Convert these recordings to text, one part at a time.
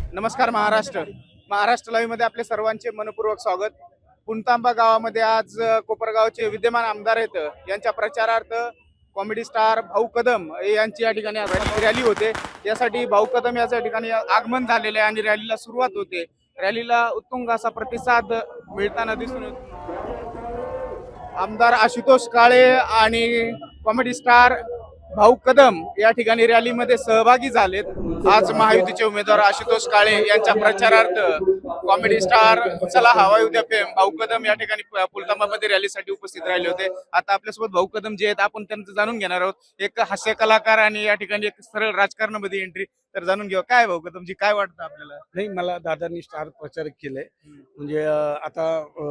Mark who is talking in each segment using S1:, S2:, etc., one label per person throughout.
S1: नमस्कार महाराष्ट्र. महाराष्ट्र लाईव्ह मध्ये आपले सर्वांचे मनपूर्वक स्वागत. पुणतांबा गावामध्ये आज कोपरगावचे विद्यमान आमदार आहेत यांच्या प्रचारार्थ कॉमेडी स्टार भाऊ कदम यांची या ठिकाणी रॅली होते. यासाठी भाऊ कदम याच्या ठिकाणी आगमन झालेले आहे आणि रॅलीला सुरुवात होते. रॅलीला उत्तुंग असा प्रतिसाद मिळताना दिसून येतो. आमदार आशुतोष काळे आणि कॉमेडी स्टार भाऊ कदम या ठिकाणी रॅलीमध्ये सहभागी झालेत. आज महायुतीचे उमेदवार आशुतोष काळे यांच्या प्रचारार्थ कॉमेडी स्टार चला हवा उद्या फेम भाऊ कदम या ठिकाणी पुलतांबामध्ये रॅलीसाठी उपस्थित राहिले होते. आता आपल्यासोबत भाऊ कदम जे आहेत आपण त्यांचं जाणून घेणार आहोत. एक हास्य कलाकार आणि या ठिकाणी एक सरळ राजकारणामध्ये एंट्री. तर जाणून घेऊ काय भाऊ कदमजी काय वाटतं आपल्याला?
S2: नाही, मला दादांनी स्टार प्रचारक केलंय. म्हणजे आता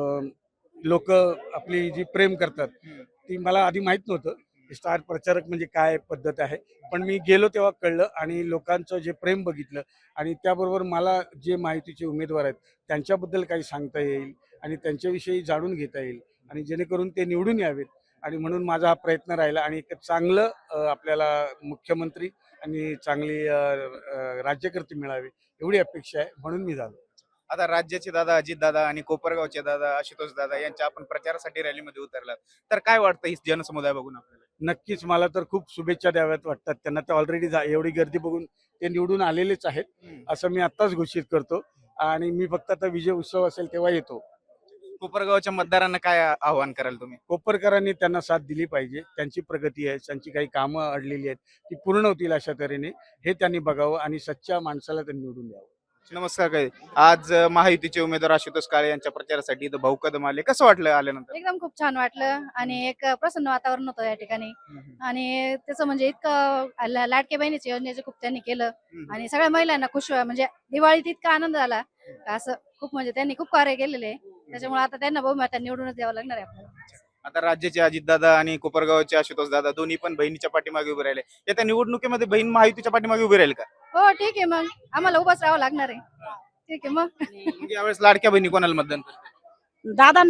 S2: लोक आपली जी प्रेम करतात ती मला आधी माहित नव्हतं. स्टार प्रचारक म्हणजे काय पद्धत आहे, पण मी गेलो तेव्हा कळलं आणि लोकांचं जे प्रेम बघितलं आणि त्याबरोबर मला जे माहितीचे उमेदवार आहेत त्यांच्याबद्दल काही सांगता येईल आणि त्यांच्याविषयी जाणून घेता येईल आणि जेणेकरून ते निवडून यावेत. आणि म्हणून माझा हा प्रयत्न राहिला आणि एक चांगलं आपल्याला मुख्यमंत्री आणि चांगली राज्यकर्ते मिळावे एवढी अपेक्षा आहे, म्हणून मी झालो.
S1: आता राज्याचे दादा अजित दादा आणि कोपरगावचे दादा आशुतोष दादा यांच्या आपण प्रचारासाठी रॅलीमध्ये उतरलात. तर काय वाटतं ही जनसमुदाय बघून आपल्याला?
S2: नक्कीच मला तर खूप शुभेच्छा द्याव्यात वाटतात त्यांना. तर ऑलरेडी एवढी गर्दी बघून ते निवडून आलेलेच आहेत असं मी आत्ताच घोषित करतो. आणि मी फक्त आता विजय उत्सव असेल तेव्हा येतो.
S1: कोपरगावच्या मतदारांना काय आव्हान कराल तुम्ही?
S2: कोपरकरांनी त्यांना साथ दिली पाहिजे. त्यांची प्रगती आहे, त्यांची काही कामं अडलेली आहेत ती पूर्ण होतील अशा तऱ्हेने हे त्यांनी बघावं आणि सच्च्या माणसाला त्यांनी निवडून द्यावं.
S1: नमस्कार. काय आज महायुतीचे उमेदवार आशुतोष काळे यांच्या प्रचारासाठी इथं भाऊ कदम आले, कसं वाटलं आल्यानंतर?
S3: एकदम खूप छान वाटलं आणि एक प्रसन्न वातावरण होतं या ठिकाणी. आणि त्याचं म्हणजे इतकं लाडक्या बहिणीच्या योजनेचं खूप त्यांनी केलं आणि सगळ्या महिलांना खुश म्हणजे दिवाळीत इतका आनंद झाला का असं खूप म्हणजे त्यांनी खूप कार्य केलेले आहे. त्याच्यामुळे आता त्यांना बहुमत निवडूनच द्यावं लागणार आहे आपल्याला.
S1: आता राज्याचे अजितदादा आणि कोपरगावचे आशुतोष दादा दोन्ही पण बहिणीच्या पाठीमागे उभे राहिले. येत्या निवडणुकीमध्ये बहीण महायुतीच्या पाठीमागे उभे राहील का?
S3: हो ठीक आहे, मग आम्हाला उभाच राहावं लागणार आहे. ठीक आहे मग.
S1: मग यावेळेस लाडक्या बहिणी कोणाला मतदान करतील?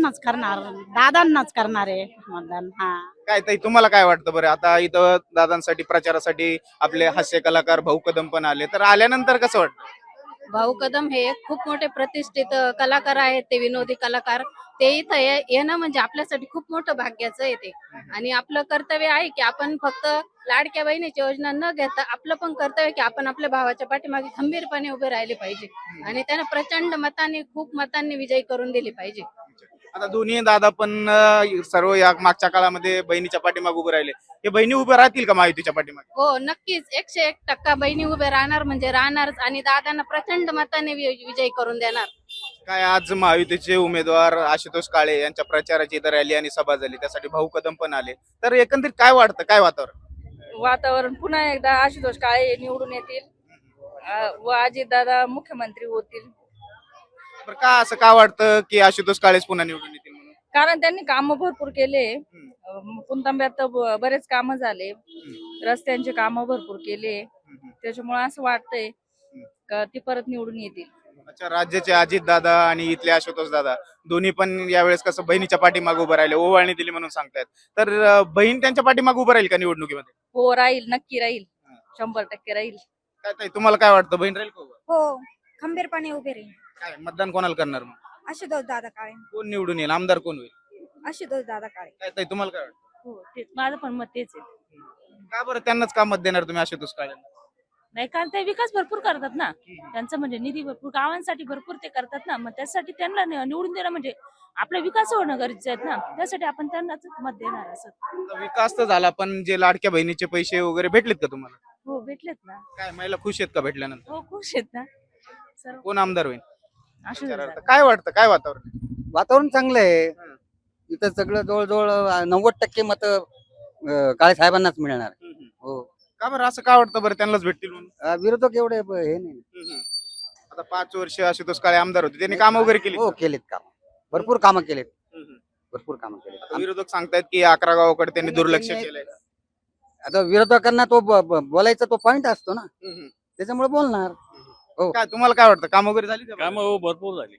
S4: दादांनाच करणार आहे मतदान. हा,
S1: काय ताई तुम्हाला काय वाटतं बरं? आता इथं दादांसाठी प्रचारासाठी आपले हास्य कलाकार भाऊ कदम पण आले, तर आल्यानंतर कसं वाटतं?
S4: भाऊ कदम हे खूप मोठे प्रतिष्ठित कलाकार आहेत. ते विनोदी कलाकार. ते इथं येणं म्हणजे आपल्यासाठी खूप मोठं भाग्याचं आहे ते. आणि आपलं कर्तव्य आहे की आपण फक्त लाडक्या बहिणीची योजना न घेता आपलं पण कर्तव्य की आपण आपल्या भावाच्या पाठीमागे खंबीरपणे उभे राहिले पाहिजे आणि त्यांना प्रचंड मतांनी खूप मतांनी विजयी करून दिली पाहिजे.
S1: आता दोन्ही दादा पण सर्व या मागच्या काळामध्ये बहिणीच्या पाठीमागे उभे राहिले. हे बहिणी उभे राहतील का महायुतीच्या पाठीमागे?
S4: हो, नक्कीच 101% बहिणी उभे राहणार म्हणजे राहणारच आणि दादांना प्रचंड मतांनी विजयी करून देणार.
S1: काय आज महायुतीचे उमेदवार आशुतोष काळे यांच्या प्रचाराची इथं रॅली आणि सभा झाली, त्यासाठी भाऊ कदम पण आले. तर एकंदरीत काय वाटतं, काय
S5: वातावरण पुन्हा एकदा आशुतोष काळे निवडून येतील व अजितदादा मुख्यमंत्री होतील.
S1: बरं, का असं का वाटतं की आशुतोष काळेच पुन्हा निवडून येतील म्हणून?
S5: कारण त्यांनी काम भरपूर केले. पुणतांब्यात बरेच काम झाले, रस्त्यांचे काम भरपूर केले. त्याच्यामुळे असं वाटतंय का ती परत निवडून येतील.
S1: अच्छा, राज्याचे अजित दादा आणि इथले आशुतोष दादा दोन्ही पण यावेळेस कसं बहिणीच्या पाठीमागे उभं राहिले, ओवाळणी दिली म्हणून सांगतायत. तर बहीण त्यांच्या पाठीमागे उभं राहील का निवडणुकीमध्ये?
S5: हो, राहील, नक्की राहील, 100% राहील.
S1: काय ताई तुम्हाला काय वाटतं, बहीण राहील का उभं?
S6: हो, खंबीरपणे उभे राहील.
S1: काय मतदान कोणाला करणार मग?
S6: आशुतोष दादा काळे.
S1: कोण निवडून येईल, आमदार कोण होईल?
S6: आशुतोष दादा काळे.
S1: काय ताई तुम्हाला काय वाटतं?
S5: हो, तेच माझं पण मत तेच आहे.
S1: का बरं त्यांनाच का मत देणार तुम्ही आशुतोष काळे?
S5: नाही, कारण ते विकास भरपूर करतात ना. त्यांचं म्हणजे निधी भरपूर गावांसाठी भरपूर ते करतात ना. मग त्यासाठी त्यांना निवडून देणं म्हणजे आपला विकास होणं गरजेचं आहे ना. त्यासाठी आपण त्यांनाच मत देणार असं.
S1: आता विकास तर झाला, पण जे लाडक्या बहिणीचे पैसे वगैरे भेटलेत का तुम्हाला?
S5: हो, भेटलेत ना.
S1: काय महिला खुश आहेत का भेटल्यानंतर?
S5: हो, खुश आहेत ना सर्व.
S1: कोण आमदार होईल?
S5: आशुतोष दादा.
S1: काय वाटतं, काय वातावरण?
S7: वातावरण चांगलं आहे. इथं सगळं जवळजवळ 90% मत काळे साहेबांनाच मिळणार. हो,
S1: का बरं असं का वाटतं बरं त्यांनाच भेटतील म्हणून?
S7: विरोधक एवढे हे नाही.
S1: आता 5 वर्ष आशुतोष काळे आमदार होते, त्यांनी कामं वगैरे केली.
S7: हो, केलेत काम, भरपूर कामं केलेत, भरपूर कामं
S1: आता
S7: केलेत.
S1: विरोधक सांगतायत की 11 गावाकडे त्यांनी दुर्लक्ष केलंय.
S7: आता विरोधकांना तो बोलायचा तो पॉइंट असतो ना, त्याच्यामुळे बोलणार. हो,
S1: काय तुम्हाला काय वाटतं, काम वगैरे झाली का?
S8: काम भरपूर झाली.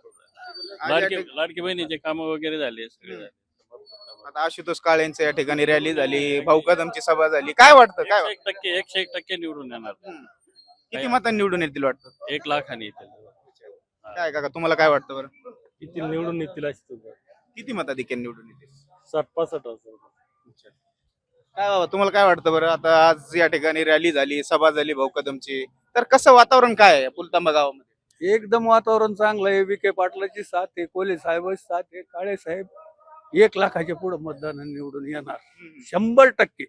S8: लाडकी बहिणीचे काम वगैरे झाले सगळे झाले.
S1: आता आशुतोष काळेंच्या या ठिकाणी रॅली झाली, भाऊ कदमची सभा झाली. काय वाटतं, काय वाटतं?
S8: 101% निवडून येणार.
S1: किती मतांनी निवडून येतील वाटतं?
S8: 1 लाखाने येतील.
S1: काय काका तुम्हाला काय वाटतं बरं?
S9: किती निवडून येतील अशी तुझं
S1: किती मताधिक्याने निवडून येतील?
S9: 60-65
S1: काय बाबा तुम्हाला काय वाटतं बरं? आता आज या ठिकाणी रॅली झाली, सभा झाली भाऊ कदमची, तर कसं वातावरण काय आहे पुलतांबा गावामध्ये?
S2: एकदम वातावरण चांगलं आहे. विखे पाटलाची साथ आहे, कोले साहेबांची साथ आहे, काळे साहेब 1 लाखाच्या पुढे मतदान निवडून येणार 100%.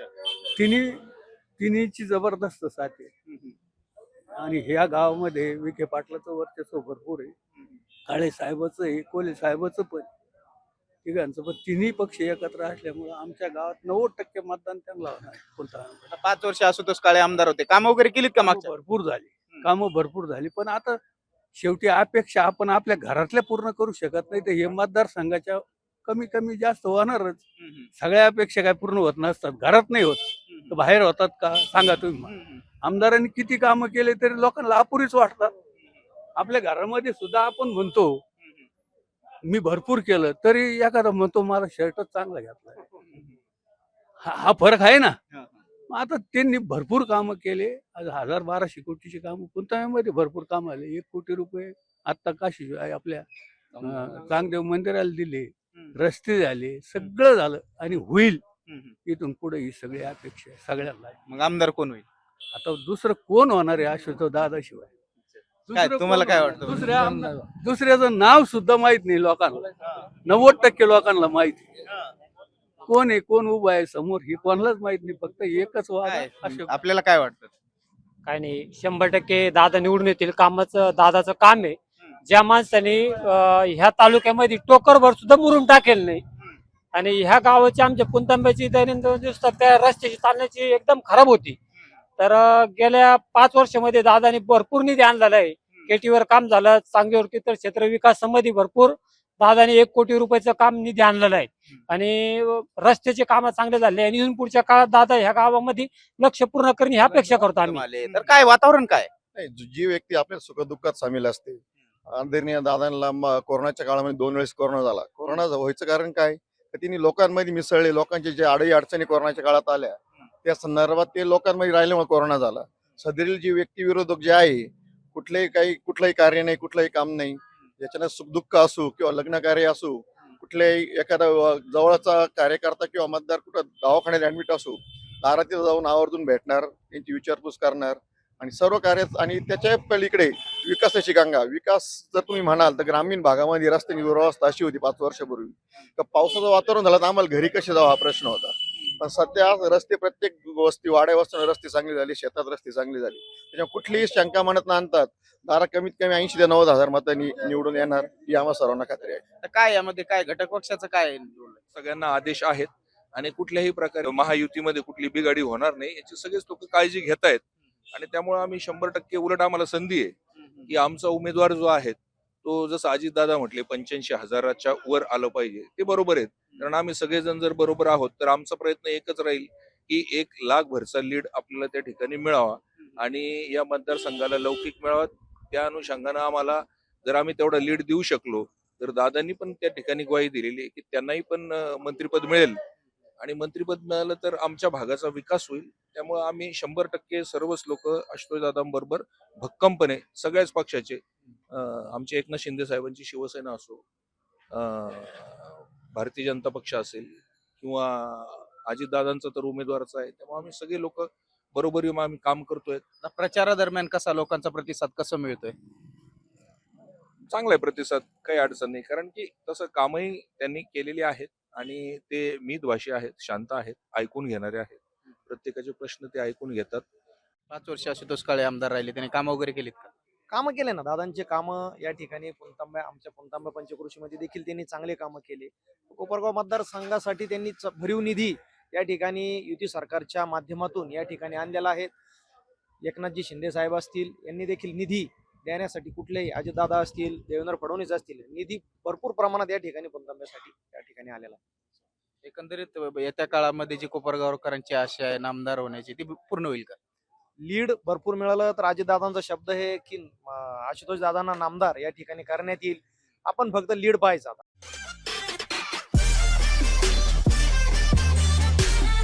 S2: तिन्हीची जबरदस्त साथ आहे. आणि ह्या गावामध्ये विखे पाटलाचं वर्चस्व भरपूर आहे. काळे साहेबाचं आहे, कोले साहेबाचं पण, तिघांचं पण. तिन्ही पक्ष एकत्र असल्यामुळे आमच्या गावात 90% मतदान त्यांना होणार.
S1: आता 5 वर्ष आशुतोष काळे आमदार होते, कामं वगैरे केलीत का मागच्या?
S2: कामं भरपूर झाली, पण आता शेवटी अपेक्षा आपण आपल्या घरातल्या पूर्ण करू शकत नाही, तर हे मतदारसंघाच्या कमी कमी जास्त होणारच. सगळ्या अपेक्षा काय पूर्ण होत नसतात, घरात नाही होत तर बाहेर होतात का सांगा तुम्ही मला. आमदारांनी किती कामं केले तरी लोकांना अपुरीच वाटतात. आपल्या घरामध्ये सुद्धा आपण म्हणतो मी भरपूर केलं, तरी एखादा म्हणतो मला शर्टच चांगला घेतलाय. हा फरक आहे ना. मग आता त्यांनी भरपूर कामं केले. आज 1000-1200 कोटीची कामं पुणतांब्यामध्ये भरपूर कामं आले. 1 कोटी रुपये आता काशी आपल्या चांगदेव मंदिराला दिले, रस्ते झाले, सगळं झालं आणि होईल इथून पुढे. ही सगळी अपेक्षा आहे सगळ्यांना.
S1: मग आमदार कोण होईल?
S2: आता दुसरं कोण होणार आहे आशुतोष दादाशिवाय?
S1: काय तुम्हाला काय वाटतं?
S2: दुसऱ्याचं नाव सुद्धा माहित नाही लोकांना. 90% लोकांना माहिती कोण आहे, कोण उभा आहे समोर, हे कोणालाच माहित नाही. फक्त एकच वाद
S1: काय?
S2: अशोक.
S1: आपल्याला काय वाटतं?
S10: काय नाही, 100% दादा निवडून येतील. कामाचं दादाचं काम आहे. ज्या माणसाने ह्या तालुक्यामध्ये टोकरभर सुद्धा मुरुम टाकेल नाही आणि ह्या गावाची आमच्या पुणतांब्याची दैनंदिन दिवसात त्या रस्त्याची चालण्याची एकदम खराब होती. तर गेल्या 5 वर्षामध्ये दादाने भरपूर निधी आणलेला आहे. केटीवर काम झालं, चांगदेवर तीर्थ क्षेत्र विकास संबंधी भरपूर दादाने 1 कोटी रुपयाचं काम निधी आणलेलं आहे आणि रस्त्याचे काम चांगले झाले आणि इथून पुढच्या काळात दादा ह्या गावामध्ये लक्ष पूर्ण करणे ही अपेक्षा करतो आम्ही.
S1: तर काय वातावरण काय?
S11: नाही, जी व्यक्ती आपल्या सुखदुःखात सामील असते. आदरणीय दादांना कोरोनाच्या काळामध्ये 2 वेळेस कोरोना झाला. कोरोना व्हायचं कारण काय? तर तिने लोकांमध्ये मिसळले. लोकांचे जे अडई अडचणी कोरोनाच्या काळात आल्या त्या संदर्भात ते लोकांमध्ये राहिल्यामुळे कोरोना झाला. सदरील जी व्यक्ती विरोधक जे आहे, कुठलंही कार्य नाही, कुठलंही काम नाही, याच्यानं सुखदुःख असो किंवा लग्न कार्य असो, कुठल्याही एखादा जवळचा कार्यकर्ता किंवा मतदार कुठं दवाखान्यात ऍडमिट असो, दारात जाऊन आवर्जून भेटणार, त्यांची विचारपूस करणार आणि सर्व कार्य. आणि त्याच्या पलीकडे विकासाची गंगा. विकास जर तुम्ही म्हणाल तर ग्रामीण भागामध्ये रस्त्याची दुरावस्था अशी होती 5 वर्षापूर्वी तर पावसाचं वातावरण झालं तर आम्हाला घरी कसे जावं हा प्रश्न होता. पण सध्या रस्ते प्रत्येक वस्ती वाड्या वस्तीवर रस्ते चांगले झाले, शेतात रस्ते चांगले झाले. त्याच्यामुळे कुठलीही शंका मनात न आणतात दारा कमीत कमी 80 ते 90 हजार मतांनी निवडून येणार ही आम्हा सर्वांना खात्री आहे.
S1: तर काय यामध्ये काय घटक पक्षाचं काय?
S12: सगळ्यांना आदेश आहेत आणि कुठल्याही प्रकारे महायुतीमध्ये कुठली बिघाडी होणार नाही याची सगळेच लोक काळजी घेत आहेत. आणि त्यामुळे आम्ही 100% उलट आम्हाला संधी आहे की आमचा उमेदवार जो आहे तो जसं अजितदादा म्हटले 85,000च्या वर आलं पाहिजे, ते बरोबर आहेत. कारण आम्ही सगळेजण जर बरोबर आहोत तर आमचा प्रयत्न एकच राहील की 1 लाख भरचा लीड आपल्याला त्या ठिकाणी मिळावा आणि या मतदारसंघाला लौकिक मिळावा. त्या अनुषंगानं आम्हाला जर आम्ही तेवढा लीड देऊ शकलो तर दादांनी पण त्या ठिकाणी ग्वाही दिलेली आहे की त्यांनाही पण मंत्रिपद मिळेल आणि मंत्रिपद मिळालं तर आमच्या भागाचा विकास होईल. त्यामुळे आम्ही 100% सर्वच लोक आशुतोष दादांबरोबर भक्कमपणे सगळ्याच पक्षाचे, आमचे एकनाथ शिंदे साहेबांची शिवसेना असो, भारतीय जनता पक्ष असेल किंवा अजितदादांचा तर उमेदवारच आहे, त्यामुळे आम्ही सगळे लोक बरोबर येऊन आम्ही काम करतोय.
S1: प्रचारादरम्यान कसा लोकांचा प्रतिसाद कसा मिळतोय?
S12: चांगला आहे प्रतिसाद, काही अडचण नाही. कारण की तसं कामही त्यांनी केलेली आहेत आणि ते मितभाषी आहेत, शांत आहेत, ऐकून घेणारे आहेत. प्रत्येकाचे प्रश्न ते ऐकून घेतात.
S1: 5 वर्ष आशुतोष काळे आमदार राहिले, त्यांनी कामं वगैरे केलीत का?
S13: कामं केले ना दादांचे कामं या ठिकाणी आमच्या पुणतांबा पंचक्रोशीमध्ये देखील त्यांनी चांगले कामं केले. कोपरगाव मतदारसंघासाठी त्यांनी भरीव निधी या ठिकाणी युती सरकारच्या माध्यमातून या ठिकाणी आणलेला आहे. एकनाथजी शिंदे साहेब असतील यांनी देखील निधी देण्यासाठी, कुठलेही अजितदादा असतील, देवेंद्र फडणवीस असतील, निधी भरपूर प्रमाणात या ठिकाणी पुणतांब्यासाठी या ठिकाणी आलेला आहे.
S1: एकंदरीत येत्या काळामध्ये जी कोपरगावकरांची आशा आहे नामदार होण्याची ती पूर्ण होईल का?
S13: लीड भरपूर मिळालं तर अजितदादांचा शब्द आहे की आशुतोष दादांना नामदार या ठिकाणी करण्यात येईल. आपण फक्त लीड पाहायचं आता.